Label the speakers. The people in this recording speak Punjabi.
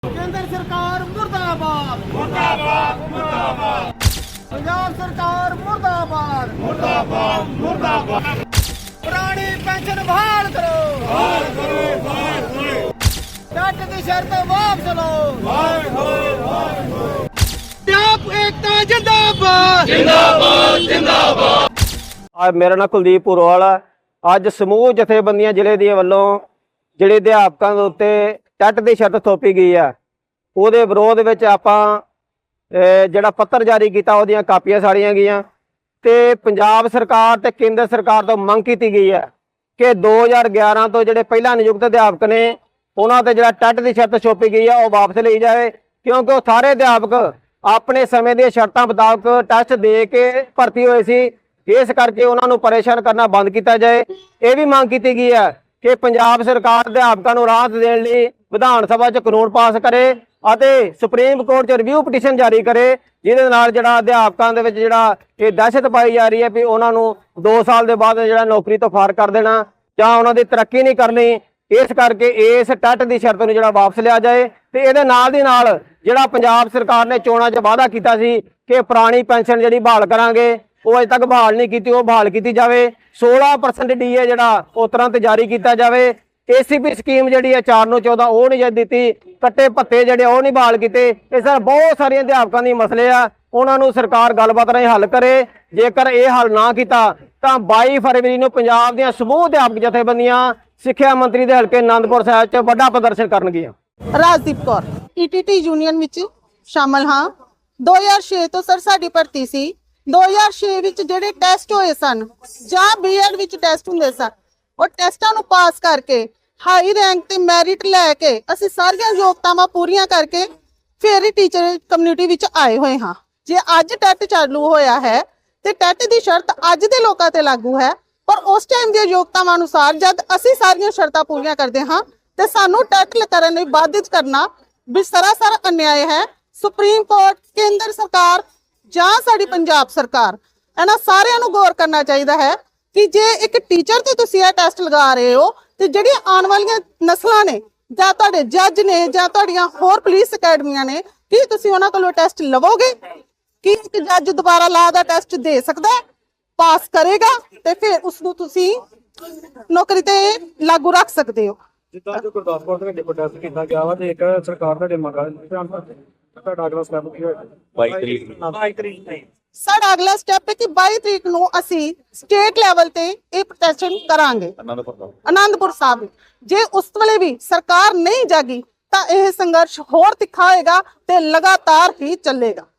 Speaker 1: केंद्र सरकार मुर्दाबाद
Speaker 2: मुर्दाबाद मुर्दाबाद
Speaker 1: पंजाब सरकार मुर्दाबाद
Speaker 2: मुर्दाबाद मुर्दाबाद
Speaker 1: पुरानी पेंशन बहाल करो
Speaker 2: हाय करो हाय करो
Speaker 1: टट की शर्त वापस लो
Speaker 2: हाय हाय
Speaker 1: पंजाब एकता जिंदाबाद
Speaker 2: जिंदाबाद जिंदाबाद।
Speaker 3: ਅੱਜ ਮੇਰਾ ਨਾਮ ਕੁਲਦੀਪ ਪੁਰਵਾਲ ਆ। ਅੱਜ ਸਮੂਹ ਜਥੇਬੰਦੀਆਂ ਜ਼ਿਲ੍ਹੇ ਦੀਆਂ ਵੱਲੋਂ ਜਿਹੜੇ ਅਧਿਆਪਕਾਂ ਦੇ ਉੱਤੇ ਟੈਟ ਦੀ ਸ਼ਰਤ ਥੋਪੀ ਗਈ ਆ, ਉਹਦੇ ਵਿਰੋਧ ਵਿੱਚ ਆਪਾਂ ਜਿਹੜਾ ਪੱਤਰ ਜਾਰੀ ਕੀਤਾ, ਉਹਦੀਆਂ ਕਾਪੀਆਂ ਸਾੜੀਆਂ ਗਈਆਂ ਤੇ ਪੰਜਾਬ ਸਰਕਾਰ ਤੇ ਕੇਂਦਰ ਸਰਕਾਰ ਤੋਂ ਮੰਗ ਕੀਤੀ ਗਈ ਹੈ ਕਿ 2011 ਤੋਂ ਜਿਹੜੇ ਪਹਿਲਾਂ ਨਿਯੁਕਤ ਅਧਿਆਪਕ ਨੇ ਉਹਨਾਂ ਤੇ ਜਿਹੜਾ ਟੈਟ ਦੀ ਸ਼ਰਤ ਥੋਪੀ ਗਈ ਆ ਉਹ ਵਾਪਸ ਲਈ ਜਾਵੇ, ਕਿਉਂਕਿ ਉਹ ਸਾਰੇ ਅਧਿਆਪਕ ਆਪਣੇ ਸਮੇਂ ਦੀਆਂ ਸ਼ਰਤਾਂ ਮੁਤਾਬਕ ਟੈਸਟ ਦੇ ਕੇ ਭਰਤੀ ਹੋਏ ਸੀ। ਇਸ ਕਰਕੇ ਉਹਨਾਂ ਨੂੰ ਪਰੇਸ਼ਾਨ ਕਰਨਾ ਬੰਦ ਕੀਤਾ ਜਾਏ। ਇਹ ਵੀ ਮੰਗ ਕੀਤੀ ਗਈ ਹੈ ਕਿ ਪੰਜਾਬ ਸਰਕਾਰ ਅਧਿਆਪਕਾਂ ਨੂੰ ਰਾਹਤ ਦੇਣ ਲਈ ਵਿਧਾਨ ਸਭਾ 'ਚ ਕਾਨੂੰਨ ਪਾਸ ਕਰੇ ਅਤੇ ਸੁਪਰੀਮ ਕੋਰਟ 'ਚ ਰਿਵਿਊ ਪਟੀਸ਼ਨ ਜਾਰੀ ਕਰੇ, ਜਿਹਦੇ ਨਾਲ ਜਿਹੜਾ ਅਧਿਆਪਕਾਂ ਦੇ ਵਿੱਚ ਜਿਹੜਾ ਇਹ ਦਹਿਸ਼ਤ ਪਾਈ ਜਾ ਰਹੀ ਹੈ ਵੀ ਉਹਨਾਂ ਨੂੰ 2 ਸਾਲ ਦੇ ਬਾਅਦ ਜਿਹੜਾ ਨੌਕਰੀ ਤੋਂ ਫਾਰ ਕਰ ਦੇਣਾ ਜਾਂ ਉਹਨਾਂ ਦੀ ਤਰੱਕੀ ਨਹੀਂ ਕਰਨੀ। ਇਸ ਕਰਕੇ ਇਸ ਟੈਟ ਦੀ ਸ਼ਰਤ ਨੂੰ ਜਿਹੜਾ ਵਾਪਸ ਲਿਆ ਜਾਏ ਤੇ ਇਹਦੇ ਨਾਲ ਦੀ ਨਾਲ ਜਿਹੜਾ ਪੰਜਾਬ ਸਰਕਾਰ ਨੇ ਚੋਣਾਂ 'ਚ ਵਾਅਦਾ ਕੀਤਾ ਸੀ ਕਿ ਪੁਰਾਣੀ ਪੈਨਸ਼ਨ ਜਿਹੜੀ ਬਹਾਲ ਕਰਾਂਗੇ, ਉਹ ਅਜੇ ਤੱਕ ਬਹਾਲ ਨਹੀਂ ਕੀਤੀ, ਉਹ ਬਹਾਲ ਕੀਤੀ ਜਾਵੇ। 16% ਡੀਏ ਜਿਹੜਾ ਉਹ ਤੁਰੰਤ ਜਾਰੀ ਕੀਤਾ ਜਾਵੇ। ਏਸੀਪੀ ਸਕੀਮ ਜਿਹੜੀ ਹੈ 4 ਨੂੰ 14 ਉਹ ਨਹੀਂ ਦਿੱਤੀ, ਕੱਟੇ ਭੱਤੇ ਜਿਹੜੇ ਉਹ ਨਹੀਂ ਬਹਾਲ ਕੀਤੇ। ਇਹ ਸਰ ਬਹੁਤ ਸਾਰੀਆਂ ਅਧਿਆਪਕਾਂ ਦੇ ਮਸਲੇ ਆ, ਉਹਨਾਂ ਨੂੰ ਸਰਕਾਰ ਗੱਲਬਾਤ ਰਾਹੀਂ ਹੱਲ ਕਰੇ। ਜੇਕਰ ਇਹ ਹੱਲ ਨਾ ਕੀਤਾ ਤਾਂ 22 ਫਰਵਰੀ ਨੂੰ ਪੰਜਾਬ ਦੀਆਂ ਸਮੂਹ ਅਧਿਆਪਕ ਜਥੇਬੰਦੀਆਂ ਸਿੱਖਿਆ ਮੰਤਰੀ ਦੇ ਹਲਕੇ ਆਨੰਦਪੁਰ ਸਾਹਿਬ 'ਚ ਵੱਡਾ ਪ੍ਰਦਰਸ਼ਨ ਕਰਨਗੀਆਂ।
Speaker 4: ਰਾਜਦੀਪ ਕੌਰ ਈਟੀਟੀ ਯੂਨੀਅਨ ਵਿੱਚ ਸ਼ਾਮਲ ਹਾਂ। 2006 ਤੋਂ ਸਰ ਸਾਡੀ ਭਰਤੀ ਸੀ। 2006 ਵਿੱਚ ਜਿਹੜੇ ਟੈਸਟ ਹੋਏ ਸਨ ਜਾਂ ਬੀਐਡ ਵਿੱਚ ਟੈਸਟ ਹੁੰਦੇ ਸਨ, ਉਹ ਟੈਸਟਾਂ ਨੂੰ ਪਾਸ ਕਰਕੇ ਹਾਈ ਰੈਂਕ ਤੇ ਮੈਰਿਟ ਲੈ ਕੇ ਅਸੀਂ ਸਾਰੀਆਂ ਯੋਗਤਾਵਾਂ ਪੂਰੀਆਂ ਕਰਕੇ ਫਿਰ ਹੀ ਟੀਚਰ ਕਮਿਊਨਿਟੀ ਵਿੱਚ ਆਏ ਹੋਏ ਹਾਂ। ਜੇ ਅੱਜ ਟੈਟ ਚਾਲੂ ਹੋਇਆ ਹੈ ਤੇ ਟੈਟ ਦੀ ਸ਼ਰਤ ਅੱਜ ਦੇ ਲੋਕਾਂ ਤੇ ਲਾਗੂ ਹੈ, ਪਰ ਉਸ ਟਾਈਮ ਦੀਆਂ ਯੋਗਤਾਵਾਂ ਅਨੁਸਾਰ ਜਦ ਅਸੀਂ ਸਾਰੀਆਂ ਸ਼ਰਤਾਂ ਪੂਰੀਆਂ ਕਰਦੇ ਹਾਂ ਤੇ ਸਾਨੂੰ ਟੈਟ ਕਰਨ ਲਈ ਬਾਧਿਤ ਕਰਨਾ ਵੀ ਸਰਾਸਰ ਅਨਿਆਏ ਹੈ। ਸੁਪਰੀਮ ਕੋਰਟ, ਕੇਂਦਰ ਸਰਕਾਰ ਜਾਂ ਸਾਡੀ ਪੰਜਾਬ ਸਰਕਾਰ, ਇਹਨਾਂ ਸਾਰਿਆਂ ਨੂੰ ਗੌਰ ਕਰਨਾ ਚਾਹੀਦਾ ਹੈ ਕਿ ਜੇ ਇੱਕ ਟੀਚਰ ਤੇ ਤੁਸੀਂ ਇਹ ਟੈਸਟ ਲਗਾ ਰਹੇ ਹੋ ਤੇ ਜਿਹੜੀਆਂ ਆਉਣ ਵਾਲੀਆਂ ਨਸਲਾਂ ਨੇ ਜਾਂ ਤੁਹਾਡੇ ਜੱਜ ਨੇ ਜਾਂ ਤੁਹਾਡੀਆਂ ਹੋਰ ਪੁਲਿਸ ਅਕੈਡਮੀਆਂ ਨੇ, ਕੀ ਤੁਸੀਂ ਉਹਨਾਂ ਕੋਲੋਂ ਟੈਸਟ ਲਵੋਗੇ? ਕੀ ਇੱਕ ਜੱਜ ਦੁਬਾਰਾ ਲਾ ਦਾ ਟੈਸਟ ਦੇ ਸਕਦਾ ਹੈ, ਪਾਸ ਕਰੇਗਾ ਤੇ ਫਿਰ ਉਸ ਨੂੰ ਤੁਸੀਂ ਨੌਕਰੀ ਤੇ ਲਾਗੂ ਰੱਖ ਸਕਦੇ ਹੋ?
Speaker 5: ਜਿੱਦਾਂ ਜੋ ਗੁਰਦਾਸਪੁਰ ਦੇ ਵਿੱਚ ਪ੍ਰੋਟੈਸਟ ਕੀਤਾ ਗਿਆ ਵਾ ਤੇ ਇੱਕ ਸਰਕਾਰ ਤੁਹਾਡੇ ਮੰਗਾਂ ਤੁਹਾਡਾ ਅਗਲਾ ਸਟੈਪ ਕੀ ਹੋਏਗਾ? 22 ਤਰੀਕ
Speaker 4: ਸਾਡਾ ਅਗਲਾ ਸਟੈਪ ਹੈ ਕਿ 22 ਤਰੀਕ ਨੂੰ ਅਸੀਂ ਸਟੇਟ ਲੈਵਲ ਤੇ ਇਹ ਪ੍ਰੋਟੈਸਟ ਕਰਾਂਗੇ ਆਨੰਦਪੁਰ ਸਾਹਿਬ। ਜੇ ਉਸ ਵੇਲੇ ਵੀ ਸਰਕਾਰ ਨਹੀਂ ਜਾਗੀ ਤਾਂ ਇਹ ਸੰਘਰਸ਼ ਹੋਰ ਤਿੱਖਾ ਹੋਏਗਾ ਤੇ ਲਗਾਤਾਰ ਹੀ ਚੱਲੇਗਾ।